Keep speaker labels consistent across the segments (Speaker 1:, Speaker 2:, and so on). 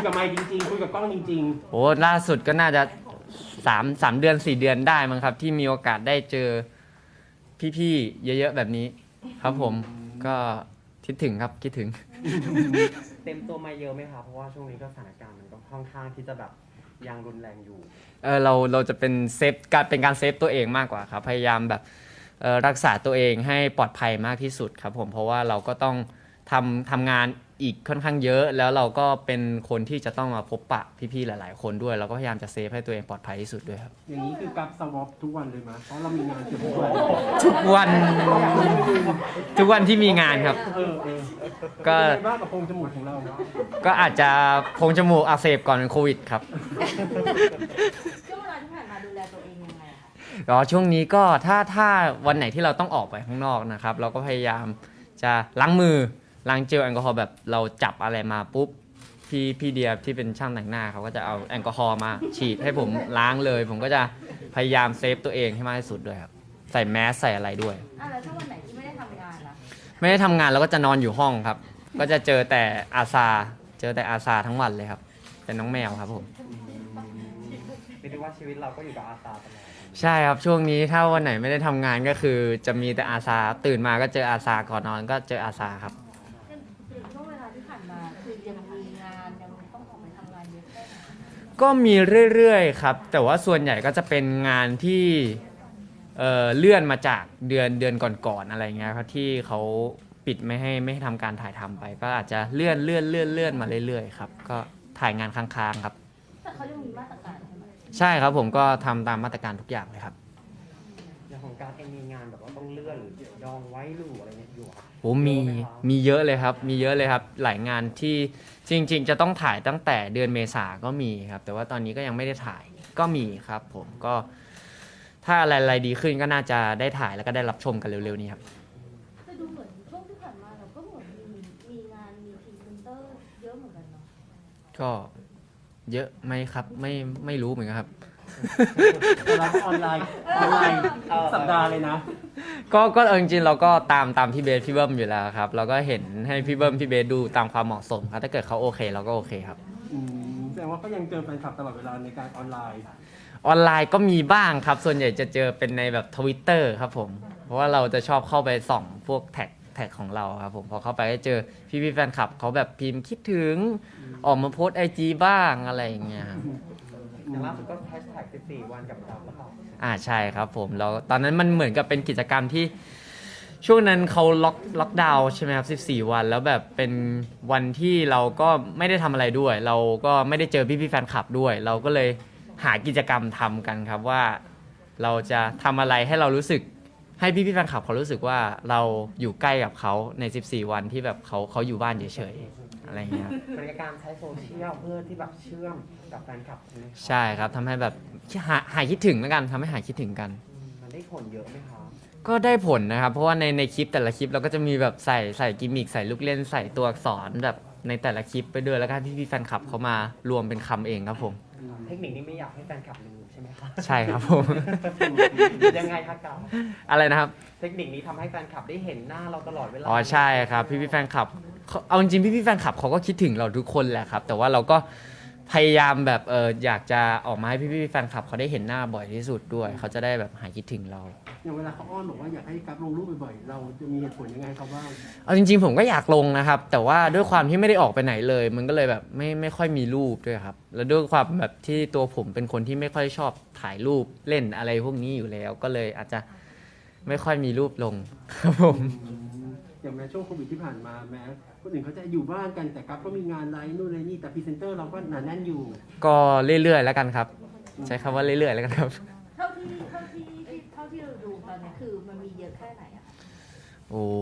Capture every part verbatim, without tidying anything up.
Speaker 1: กับไมค์จริงๆคุยกับกล้องจริง
Speaker 2: ๆโอ้ล่าสุดก็น่าจะสามสามเดือนสี่เดือนได้มั้งครับที่มีโอกาสได้เจอพี่ๆเยอะๆแบบนี้ครับผมก็คิดถึงครับคิดถึง
Speaker 3: เต็มตัวมาเยอะไหมครับเพราะว่าช่วงนี้ก็สถานการณ์มันก็ค่อนข้างที่จะแบบยังรุนแรงอยู่
Speaker 2: เออเราเราจะเป็นเซฟการเป็นการเซฟตัวเองมากกว่าครับพยายามแบบเออรักษาตัวเองให้ปลอดภัยมากที่สุดครับผมเพราะว่าเราก็ต้องทำทำงานอีกค่อนข้างเยอะแล้วเราก็เป็นคนที่จะต้องมาพบปะพี่ๆหลายๆคนด้วยเราก็พยายามจะเซฟให้ตัวเองปลอดภัยที่สุดด้วยครับ
Speaker 1: อย่างนี้คือกับสวอปทุกวันเลยมั้ยเพราะเรามีงานทุกวัน
Speaker 2: ทุกวันทุกวันที่มีงานครับ
Speaker 1: เออเออ
Speaker 2: ก็
Speaker 1: บ้ากับโพรงจมูกของเรา
Speaker 2: ก็อาจจะโพรงจมูกอักเสบก่อนเป็นโควิดครับ
Speaker 4: ช่วงเวลาที่ผ่านมาดูแลตัวเองยังไงคะ
Speaker 2: อ๋อช่วงนี้ก็ถ้าถ้าวันไหนที่เราต้องออกไปข้างนอกนะครับเราก็พยายามจะล้างมือล้างเจลแอลกอฮอล์แบบเราจับอะไรมาปุ๊บพี่พี่เดียที่เป็นช่างแต่งหน้าเขาก็จะเอาแอลกอฮอล์มาฉีดให้ผมล้างเลยผมก็จะพยายามเซฟตัวเองให้มากที่สุดด้วยครับใส่แมสใส่อะไรด้วย
Speaker 4: อ่ะแล้วถ้าวันไหนที่ไม่ได้ทำงานล่ะ
Speaker 2: ไม่ได้ทำงานเราก็จะนอนอยู่ห้องครับก็จะเจอแต่อาซาเจอแต่อาซาทั้งวันเลยครับเป็นน้องแมวครับผม
Speaker 3: เรียกได้ว่าชีวิตเราก็อยู่กับอาซาตลอด
Speaker 2: ใช่ครับช่วงนี้ถ้าวันไหนไม่ได้ทำงานก็คือจะมีแต่อาซาตื่นมาก็เจออาซาก่อนนอนก็เจออาซาครับ
Speaker 4: ช่วงเวลาที่ผ่านมาคือยังมีงานยังต้องออกไปทำงานเยอะแค่ไหน
Speaker 2: ก็มีเรื่อยๆครับแต่ว่าส่วนใหญ่ก็จะเป็นงานที่เอ่อเลื่อนมาจากเดือนเดือนก่อนๆอะไรเงี้ยครับที่เขาปิดไม่ให้ไม่ให้ทำการถ่ายทำไปก็อาจจะเลื่อนเลื่อนเลื่อนเลื่อนมาเรื่อยๆครับก็ถ่ายงานค้างๆครับ
Speaker 4: แต่เขายังมีมาตรการใช่ไหม
Speaker 2: ใช่ครับผมก็ทำตามมาตรการทุกอย่างเลยครับ
Speaker 3: อย่างของการเองมีงานแบบว่าต้องเลื่อนหรือดองไว้หรืออะไรเนี่ยอยู่ครับ
Speaker 2: โอ้มีมีเยอะเลยครับมีเยอะเลยครับหลายงานที่จริงๆจะต้องถ่ายตั้งแต่เดือนเมษาก็มีครับแต่ว่าตอนนี้ก็ยังไม่ได้ถ่ายก็มีครับผมก็ถ้าอะไรๆดีขึ้นก็น่าจะได้ถ่ายแล้วก็ได้รับชมกันเร็วๆนี้ครับ
Speaker 4: แต่ดูเหมือนช่วงที่ผ่านมาเราก็เหมือนมีมีงานมีพรีเซนเตอร์เยอะเหมือนกันเนาะ
Speaker 2: ก็เยอะไหมครับไม่ไม่รู้เหมือนกันครับ
Speaker 1: เราออนไลน์ออนไลน์สัปดาห์เลยนะ
Speaker 2: ก็ก็จริงๆเราก็ตามตามพี่เบสพี่เบิ้มอยู่แล้วครับเราก็เห็นให้พี่เบิ้มพี่เบสดูตามความเหมาะสมครับถ้าเกิดเขาโอเคเราก็โอเคครับ
Speaker 1: แสดงว่าก็ยังเจอแฟนคลับตลอดเวลาในการออนไลน์
Speaker 2: ออนไลน์ก็มีบ้างครับส่วนใหญ่จะเจอเป็นในแบบ Twitter ครับผมเพราะว่าเราจะชอบเข้าไปส่องพวกแท็กแท็กของเราครับผมพอเข้าไปก็เจอพี่พี่แฟนคลับเขาแบบพิมพ์คิดถึงออกมาโพสไอจีบ้างอะไรอย่างเงี้ย
Speaker 3: อย่างล่าสุดก็แฮชแท็กสิบสี่วันกับเราแล้วก็
Speaker 2: อ่าใช่ครับผมแล้วตอนนั้นมันเหมือนกับเป็นกิจกรรมที่ช่วงนั้นเขาล็อกล็อกดาวน์ใช่ไหมครับสิบสี่วันแล้วแบบเป็นวันที่เราก็ไม่ได้ทำอะไรด้วยเราก็ไม่ได้เจอพี่พี่แฟนคลับด้วยเราก็เลยหากิจกรรมทำกันครับว่าเราจะทำอะไรให้เรารู้สึกให้พี่พี่แฟนคลับเขารู้สึกว่าเราอยู่ใกล้กับเขาในสิบสี่วันที่แบบเขาเขาอยู่บ้านเฉยๆอะไรเงี้ย
Speaker 3: เป็นการใช้โซเชียลเพื่อที่แบบเชื่อมกับแฟนคลับ
Speaker 2: ใช่ครับทำให้แบบหาหายคิดถึงแล้วกันทำให้หายคิดถึงกัน
Speaker 3: มันได้ผลเยอะไหมครับ
Speaker 2: ก็ได้ผลนะครับเพราะว่าในในคลิปแต่ละคลิปเราก็จะมีแบบใส่ใส่กิมมิคใส่ลูกเล่นใส่ตัวอักษรแบบในแต่ละคลิปไปด้วยแล้วก็พี่พี่แฟนคลับเขามารวมเป็นคำเองครับผม
Speaker 3: เทคนิคนี้ไม่อยากให้แฟนคลับลืมใช่ไหมครับ
Speaker 2: ใช่ครับผม
Speaker 3: ยังไงครับกับ
Speaker 2: อะไรนะครับ
Speaker 3: เทคนิคนี้ทำให้แฟนคลับได้เห็นหน้าเราตลอดเวลา
Speaker 2: อ๋อใช่ครับพี่พี่แฟนคลับเอาจริงๆพี่พี่แฟนคลับเขาก็คิดถึงเราทุกคนแหละครับแต่ว่าเราก็พยายามแบบเอออยากจะออกมาให้พี่พี่แฟนคลับเขาได้เห็นหน้าบ่อยที่สุดด้วยเขาจะได้แบบหายคิดถึงเรา
Speaker 1: อย่างเวลาเขาอ้อนบอกว่าอยากให้กับลงรูปบ่อยๆเราจะมีเหตุผลยังไงเขาบ้าง
Speaker 2: เอาจริงๆผมก็อยากลงนะครับแต่ว่าด้วยความที่ไม่ได้ออกไปไหนเลยมันก็เลยแบบไม่ไม่ค่อยมีรูปด้วยครับแล้วด้วยความแบบที่ตัวผมเป็นคนที่ไม่ค่อยชอบถ่ายรูปเล่นอะไรพวกนี้อยู่แล้วก็เลยอาจจะไม่ค่อยมีรูปลงครับผม
Speaker 1: อย่างแม้ช่วงโควิดที่ผ่านมาแม้คนอื่นเขาจะอยู่บ้านกันแต่กับก็มีงานไลฟ์นู่นไลฟ์นี่แต่พรีเซนเตอร์เราก็หนาแน่นอยู่
Speaker 2: ก็เรื่อยๆแล้วกันครับใช้คำว่าเรื่อยๆแล้วกันครับ
Speaker 4: เท่าที่เท่าที่เท่าที่เราดูตอนนี้คือมันมีเยอะแค่ไหนอะ
Speaker 2: โอ้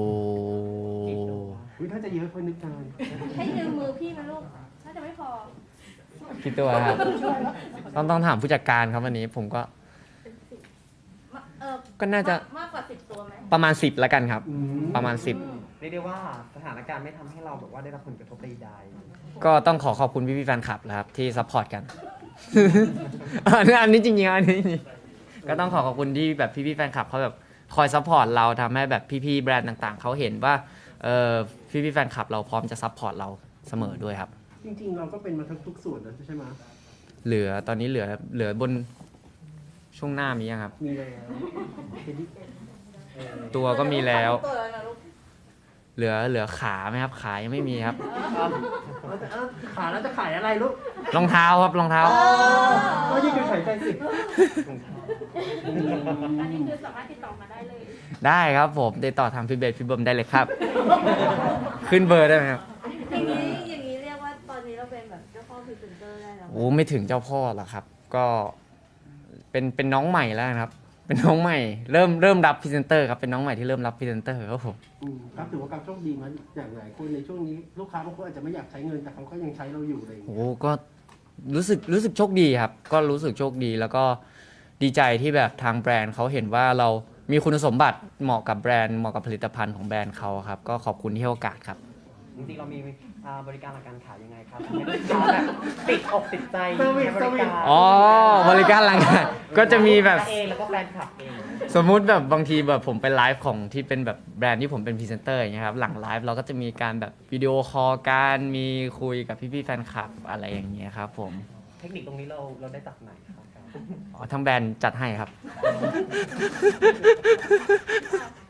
Speaker 1: ยถ้าจะเยอะคนนึกการ
Speaker 4: ให้ยืมมือพี่มาลูกน่าจะไม่พอ
Speaker 2: พี่ตัวครับต้องต้องถามผู้จัดการครับวันนี้ผมก็ก็น่าจะ
Speaker 4: มากกว่าสิบตัวไหม
Speaker 2: ประมาณสิบแล้วกันครับประมาณสิบ
Speaker 3: เรียกได้ว่าสถานการณ์ไม่ทำให้เราแบบว่าได้รับผลกระทบใด
Speaker 2: ๆก็ต้องขอขอบคุณพี่พี่แฟนคลับนะครับที่ซัพพอร์ตกันอันนี้จริงๆอันนี้ก็ต้องขอขอบคุณที่แบบพี่พี่แฟนคลับเขาแบบคอยซัพพอร์ตเราทำให้แบบพี่ๆแบรนด์ต่างๆเขาเห็นว่าเออพี่พี่แฟนคลับเราพร้อมจะซัพพอร์ตเราเสมอด้วยครับ
Speaker 1: จริงๆเราก็เป็นมาทั้งทุกส่วนแล้วใช่ไหม
Speaker 2: เหลือตอนนี้เหลือเหลือบนช่วงหน้ามียังครับ
Speaker 1: มีแล้วเป็นที่เออ
Speaker 2: ตัวก็มีแล้ว
Speaker 5: ตัวแล้วนะลูก
Speaker 2: เหลือเหลือขาไหมครับ ขายังไม่มีครับ
Speaker 1: เอาเอาแต่เอาขายแล้วจะขายอะไรลูก
Speaker 2: รองเท้าครับรองเท้า
Speaker 1: ก็ยิ่งเป็นขายใจสิ
Speaker 4: อันนี้คือสามารถติดต่อมาได้เลย
Speaker 2: ได้ครับผมติดต่อทางพี่เบสพี่เบิร์มได้เลยครับ ขึ้นเบอร์ได้ไหมครับ
Speaker 5: อย่างนี้อย่างนี้เรียกว่าตอนนี้เราเป็นแบบเจ้าพ่อพรีเซนเตอร์ได้แล้วไหม
Speaker 2: โอ้ไม่ถึงเจ้าพ่อหรอกครับ ก็เป็นเป็นน้องใหม่แล้วนะครับ เป็นน้องใหม่ เริ่มเริ่มรับพรีเซนเตอร์ครับเป็นน้องใหม่ที่เริ่มรับพรีเซนเตอร์ครับผม
Speaker 1: อืมครับถือว่ากับโชคดีมั้ยอย่างหลายคนในช่วงนี้ลูกค้าบางคนอาจจะไม่อยากใช้เงินแต่เขาก็ยังใช้เราอยู่อะไรอย่าง
Speaker 2: โอ้
Speaker 1: เงี้ย
Speaker 2: ก็รู้สึกรู้สึกโชคดีครับ ก็รู้สึกโชคดีแล้วก็ดีใจที่แบบทางแบรนด์เขาเห็นว่าเรามีคุณสมบัติเหมาะกับแบรนด์เหมาะกับผลิตภัณฑ์ของแบรนด์เขาครับ ก็ขอบคุณที่ให้โอกาสครับ
Speaker 3: จริงๆเรามีอ่าบริการหลักการขายยังไงครับให้ลูกค้าแบบติดอกติดใจใช้บริการ
Speaker 2: อ๋อบริการหลังการก็จะมีแบบ
Speaker 3: เองแล้วก็แฟนคลับเอง
Speaker 2: สมมุติแบบบางทีแบบผมไปไลฟ์ของที่เป็นแบบแบรนด์ที่ผมเป็นพรีเซนเตอร์อย่างเงี้ยครับหลังไลฟ์เราก็จะมีการแบบวิดีโอคอลกันมีคุยกับพี่ๆแฟนคลับอะไรอย่างเงี้ยครับผม
Speaker 3: เทคนิคตรงนี้เราเราได้จากไหนครับ
Speaker 2: อ๋อทางแบรนด์จัดให้ครับ
Speaker 4: ถ